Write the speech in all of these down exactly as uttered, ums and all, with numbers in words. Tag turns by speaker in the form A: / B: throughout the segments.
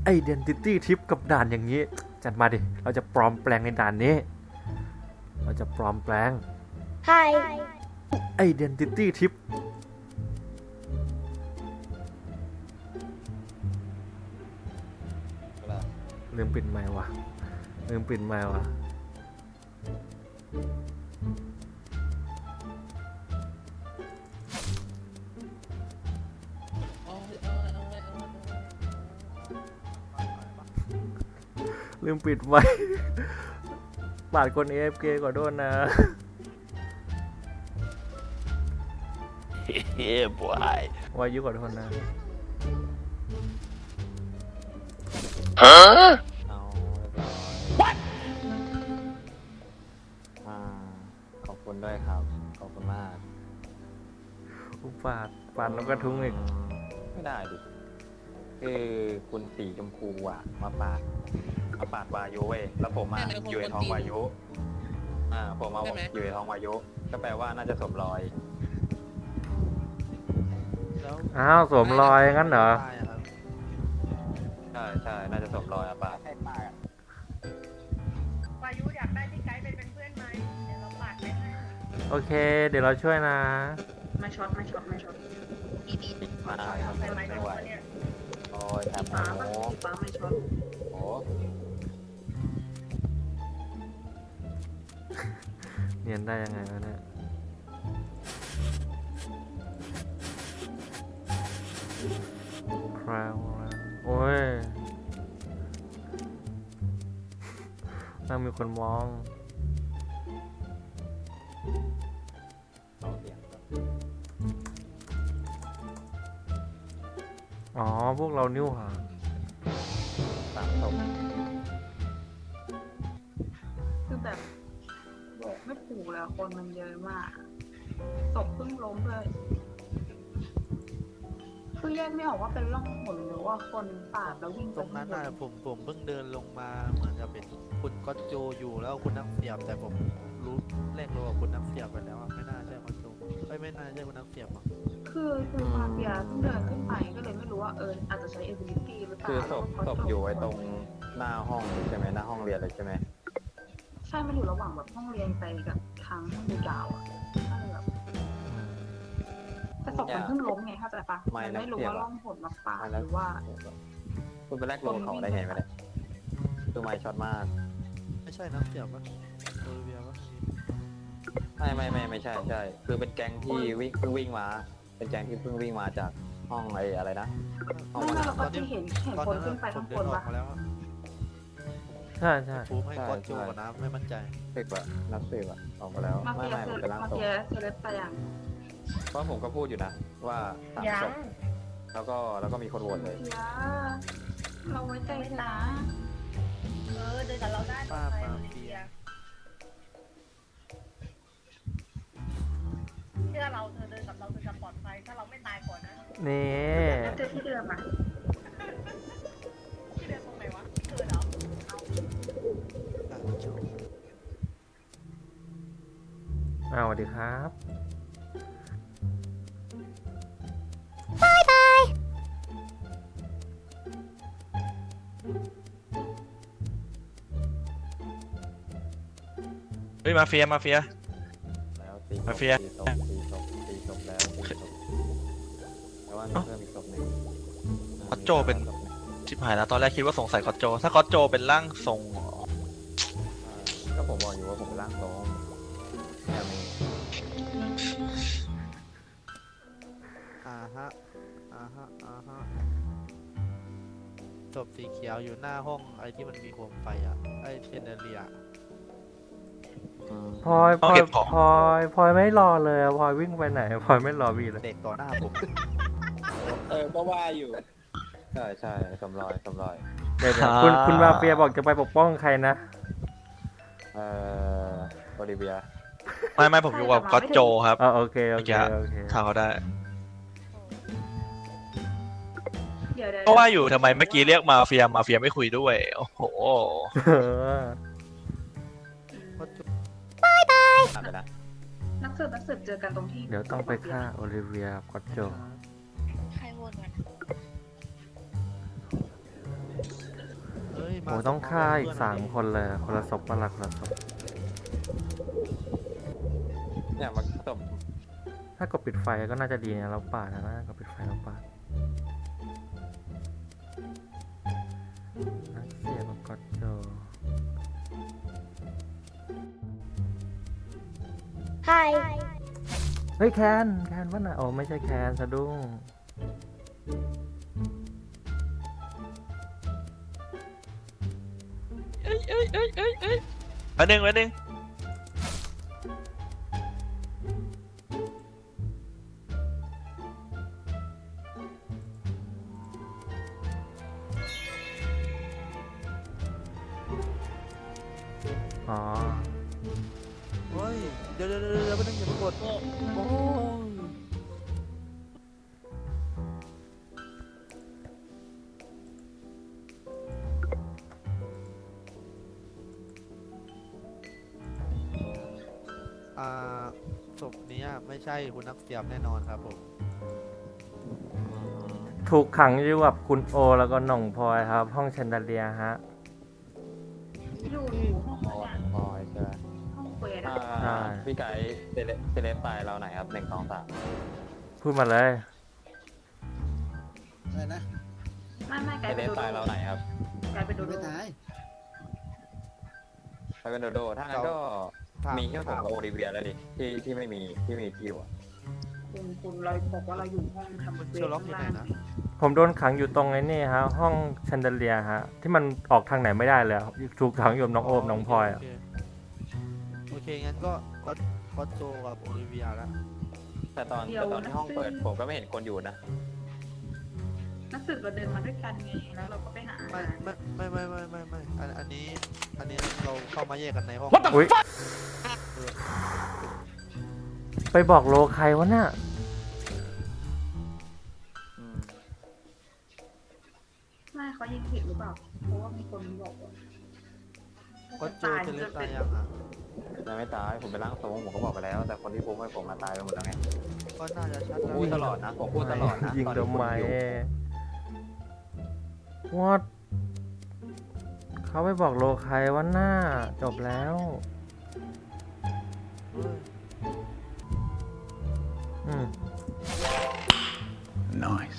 A: Identity Tip กับด่านอย่างนี้จัดมาดิเราจะปลอมแปลงในด่านนี้เราจะปลอมแปลง
B: Hi
A: Identity Tip ลืมปิดไมค์ว่ะลืมปิดไมค์ว่ะลืมปิดไมค์ปาดคน เอ เอฟ เค ก่อนโดนนะ
C: เฮ้ยบอยว
A: ายุก่อนโดนนะ
C: ฮะ
D: เอาเรียบร้อย What อ่าขอบคุณด้วยครับขอบคุณมาก
A: อุปาดปาดแล้วก็ทุ้งอีก
D: ไม่ได้ดิคือคุณสีชมพูอ่ะมาปาดมาปาดวายุเว้ยแล้วผมอ่ะอยู่ในท้องวายุอ่าผมมาอยู่ในท้องวายุก็แปลว่าน่าจะสมรอย
A: อ้าวสวมรอยงั้นเหรอ
D: ใช่ใช่น่าจะสมรอยอ่ะปาดให้ปาด
E: วายุอยากได้พี่ไกด์ไปเป็นเพื่อนไหมเดี๋ยวเราปาดไปให้
A: โอเคเดี๋ยวเราช่วยนะ
B: มาช็อตมาช็อตมาช็อต
E: ดีดี
D: ติดมาได้ครับ
E: ไปไหม
D: ไม่ไหว
E: เนี่ย
D: โอ้ยแถบ
B: ฟ้า
D: โอ้
B: ปะฟ้าไม่ช็อต
D: โห
A: เนียนได้ยังไงวะเนี่ยคราวโอ้ยน่ามีคนมองอ๋อพวกเรานิ้วหา
D: สามศพ
B: คือแบบบอกไม่ถูกแล้วคนมันเยอะมากศพเพิ่งล้มเลยคือแยกไม่ออกว่าเป็นร่องหนหรือว่าคนปาดแล้ววิ่ง
F: ตรงนั้นน่ะผมผมเพิ่งเดินลงมาเหมือนจะเป็นคุณก็โจอยู่แล้วคุณนักเสียบแต่ผมรู้แรกรู้ว่าคุณนักเสียบไปแล้วอะไม่น่าใช่ก็โจไม่ไม่น่าใช่คุณนักเสียบอ่ะ
B: คือคือมาเฟียเพิ่งเดินขึ้นไปก็เลยไม่รู้ว่าเอออาจจะใช้ ability หรือเปล่า
D: คือศพศพอยู่ไว้ตรงหน้าห้องใช่ไหมหน้าห้องเรียนเลยใช่ไหม
B: ใช่มันอยู่ระหว่างแบบห้องเรียนไปกับทางห้องดูดาวอ่ะก็เลยแบบแต่ศพมันเพิ่งล้มไงเข้าใจปะมันไม่รู้ว่าร่องหนมาปาดหรือว่า
D: คุณไปแรกโลเขาได้ไงไม่ได้ตัวไม้ช็อตมาก
F: ไม่ใช่นักเสียบปะโอลิเวียปะ
D: ไม่ไม่ไม่ไม่ใช่ใช่คือเป็นแก๊งที่วิ่งเพิ่งวิ่งมา เป็นแก๊งที่เพิ่งวิ่งมาจากห้องไอ้อะไรนะห้อง
B: ไม่
D: วัน
B: เราก็จะเห็นเห็น
F: ตอน
B: คน
F: นั้น
B: ขึ้นไป
F: ผ
B: ข้าม ง
F: เดิ
B: บ
F: น
B: น
F: ออ
B: ปะ
F: กมาแล้วอะ
A: ใช่ใช่
F: ฟูให้ก็โจก่อนนะไม่มั่นใจ
D: สิบอะนับสิบอะออกมาแล้ว
B: มา
D: ไม่
B: เฟีย
D: ไม่
B: เซ
D: ผมเป็นร่าง
B: มา
D: ทรง
B: เฟียเซเลบไปอย่าง
D: เพราะผมก็พูดอยู่นะว่าสาม
E: ยั
D: ศ
E: ง
D: พแล้วก็แล้วก็มีคนโหวตเลย
B: เฟียเราไว้ใจนะ
E: เออเดินกับเราได้
F: ป้า
E: ไป
F: มา
E: โอลิ
F: เฟี
E: เวี
F: ย
E: ยเชื่อเราเธอเดินกับเราเธอจะปลอดภัยถ้าเราไม่ตายก่อนนะ
A: นี่
B: แล้วเจอที่เดิมอ่ะ
E: ที่เดินตรงไหนวะเธอเหรอ
A: อ้าวสวัสดีครับ
C: เฮ้ยมาเฟียมาเฟีย
D: แล้วตีศพ
C: มาเฟีย
D: ตีศพตีศพตีศพแล้วตีศพแต่ว่ามีเพิ่มอีกศพหนึ่ง
C: คอตโจเป็นชิบหายแล้วตอนแรกคิดว่าสงสัยคอตโจ ถ้าคอตโจเป็นร่างทรงเหรอ
D: ก็ผมบอกอยู่ว่าผมเป็นร่างทรงแค่นี้
F: อ่าฮะอ่าฮะอ่าฮะศพสีเขียวอยู่หน้าห้องไอ้ที่มันมีโคมไฟอ่ะไอ้เทนเนเรีย
D: อืม
A: พลอยพลอยพลอยพลอยไม่รอเลยอะพลอยวิ่งไปไหนพลอยไม่รอวีเลย
F: เด็กต่อหน้าผม
D: เออก็ว่าอยู่ใช่ใช่สมรอยสมรอย
A: เดี๋ยวเดี๋ยวคุณคุณมาเฟียบอกจะไปปกป้องใครนะ
D: เอ่อโอลิเวีย
C: ไม่ไม่ผมอยู่กับคอตโจครับ
A: อ๋อโอเคโอเคโอเค
C: ถ้าเขาได้
B: เดี๋ยวเดี๋ยว
C: ก็ว่าอยู่ทำไมเมื่อกี้เรียกมาเฟียมาเฟียไม่คุยด้วย โอ้โห
A: เออ
F: ก็โจ
D: ผ่านไปนะ
B: นักสืบนักสืบเจอกันตรงที่
A: เดี๋ยวต้องไปฆ่าโอลิเวียกอตโจ
E: ใครวนกัน
A: โอ้ต้องฆ่าอีกสามคนเลยคนละศพคนละคนละศพ
D: เนี่ยมันศพ
A: ถ้ากดปิดไฟก็น่าจะดีนะเราปาดนะกดปิดไฟเราปาดนักเสียบก็โจเฮ้ยแคนแคนวะน่ะโอ้ไม่ใช่แคนสะดุ้ง
C: อันหนึ่งอันหนึ่ง
A: อ๋อ
F: เฮ้ย เดี๋ยวเดี๋ยวเดี๋ยวเดี๋ยวไม่ต้องอย่าไปกดโอ้ยอ่าศพนี้ไม่ใช่คุณนักเสียบแน่นอนครับผม
A: ถูกขังอยู่กับคุณโอแล้วก็หน่องพลอยครับ ห้องแชนเดเลียฮะ
B: อยู่ห้อง
D: พอยพอยใช่ไหม
B: ห้องเควส
D: อ่า
B: อะ
A: ใช่
D: พี่ไก่เซเลเซเลสไฟล์เราไหนครับหนึ่งสองสาม
A: พูดมาเลย
G: อะไรนะ
B: ไม่ไม่ไกล
D: เซ
B: ไป
D: เลส
B: โด
D: ไฟล์
B: โด
D: เราไหนครับ
B: ไกลไปโดโด
G: ไม่ตาย
D: ไปเป็นโดโดถ้างั้นก็
F: ถาม
D: มีแค่ผมกับโอลิเวียแล้วดิที่ที่ไม่มีที่มีคิวอ่ะ
B: คุณคุณเราบอกว่าเราอยู่ห้องทำเควส
F: เชอร์ล็อกอยู่ไหนนะ
A: ผมโดนขังอยู่ตรงไอ้นี่ฮะ ห้องแชนเดเลียฮะ ที่มันออกทางไหนไม่ได้เลยอะถูกขังอยู่กับน้องโอมน้องพลอยอะ
F: โเคโอเค งั้นก็ก็ก็โจกับโอลิเวียแล้ว
D: แต่ตอนแต่ตอนที่ห้องเปิดผมก็ไม่เห็นคนอยู่นะ
B: นักสืบเราเดินมาด้วยกันไงแล้วเราก็ไปหา
F: ไม่ไม่ไม่ไม่ไม่ไม่ไม่อันอันนี้ อันนี้เราเข้ามาแยกกันในห้อง
A: อุ้ยไปบอกโลใครวะน่ะ
D: อืม
B: ไม่เขายิงผิดหรือเปล่า เพราะว่ามีคนบอกว่า
F: ก็โจจะเล่นตายยังอ่ะ
D: ยังไม่ตายผมเป็นร่างทรงผมก็บอกไปแล้ว แต่คนที่พูดให้ผมมาตายไปหมดแล้วไง
F: ก็น่าจะชัด
D: ผม
F: แล้ว
D: พูดตลอดนะผมพูดตลอดนะ
A: ยิง
D: ตอน
A: ทำ
D: ที่
A: ไม
D: คุณอยู่
A: วอดเขาไปบอกโลใครวะน่าจบแล้ว
F: เฮ้ย
A: อืม
H: Nice.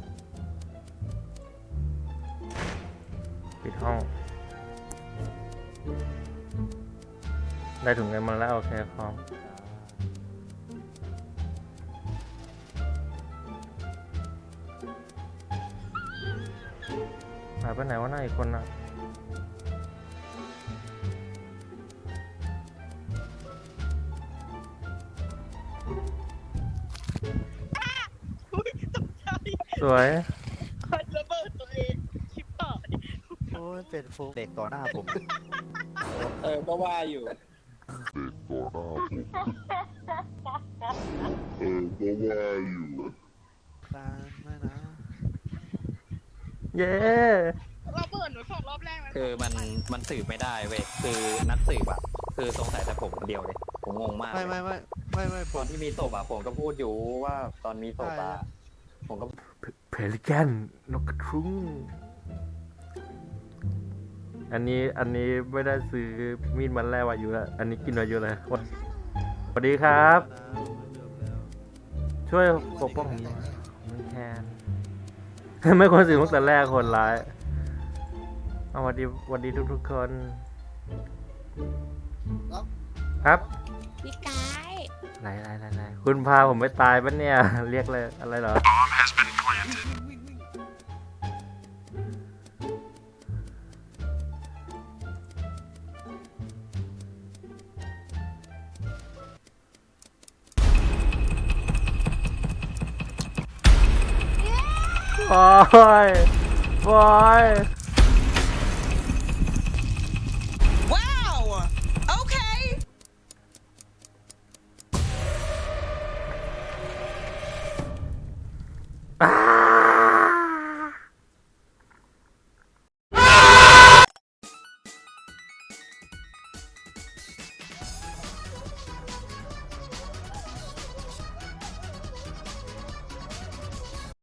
A: ปิดห้อง ได้ถุงเงินมาแล้ว โอเคพร้อมหายไปไหนวะหน้าอีกคนน่ะ สวย
F: โอ้ยเป็นโฟกเด็กต่อหน้าผม
D: เออก็ว่าอยู่
F: การไม่นะ
A: เย้
E: เราเปิดหนูสองรอบแรกแล้ว
D: คือมันมันสืบไม่ได้เว้ยคือนักสืบอะคือสงสัยแต่ผมคนเดียวเลยผมงงมาก
F: ไม่ไม่ไม่ไม่ไม่ผ
D: ตอ
F: ม
D: นที่มีศพอะผมก็พูดอยู่ว่าตอนมีศพอะผมก็
A: เพลิแกนนกกระทุ้งอันนี้อันนี้ไม่ได้ซื้อมีดมันแรกวายุแล้วอันนี้กินวายุเลยสวัสดีครับ ช่วยปกป้องผมหน่อยไม่แคนไม่ควรสื่อตั้งแต่แรกคนร้ายเอาสวัสดีสวัสดีทุกทุกๆคน ครับ
E: พี่ไกด์
A: ไรไรไรไรคุณพาผมไปตายปะเนี่ย เรียกเลยอะไรเหรอ โอ้ยโอ้ย